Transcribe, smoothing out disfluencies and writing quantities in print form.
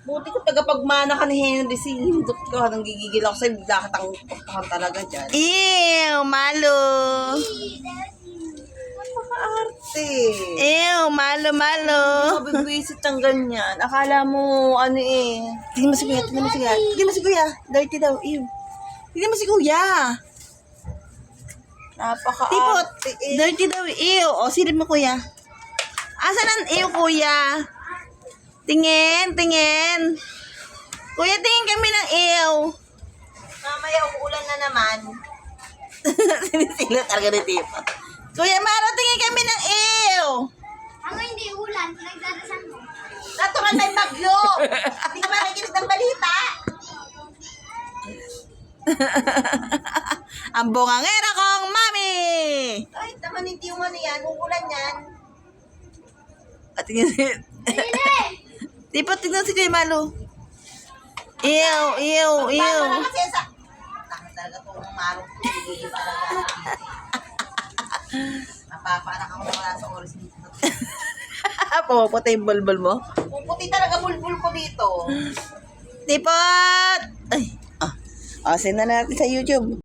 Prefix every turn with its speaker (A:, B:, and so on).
A: Buti ko tagapagmana ka ni Henry, sinindot ka. Nang gigigil ako sa'yo, bigla kitang tuktakan talaga dyan.
B: Ew, malo.
A: Napaka-arte.
B: Ew, malo.
A: Mabibwisit ang ganyan. Akala mo, ano eh.
B: Tingnan mo si kuya, tingnan mo si kuya. Dirty daw, ew. Tingnan mo si kuya.
A: Napaka-arte
B: Tipot,
A: eh.
B: dirty daw, ew. O, silip mo kuya. Asan ang ew, kuya? Tingin. Kuya, tingin kami ng ew.
A: Mamaya uulan na naman.
B: Sinisila talaga ni Tipo. Kuya Maro, tingin kami ng ew.
C: Ako hindi ulan, nagdadasal mo.
A: Natural na yung bagyo. Hindi ka ba nakikinig ng balita?
B: Ang bungangera kong mami.
A: Ay, naman hindi yung ano yan. Uulan yan.
B: At tingin si... Tipo, tingnan si Kuya Malo. Ew.
A: Tama na kasi sa... Takot talaga itong marong hindi talaga. Napapanak ako na wala sa oras dito.
B: Pumaputa yung bulbul mo.
A: Puputi talaga bulbul ko dito.
B: Tipot! Ay, send na natin sa YouTube.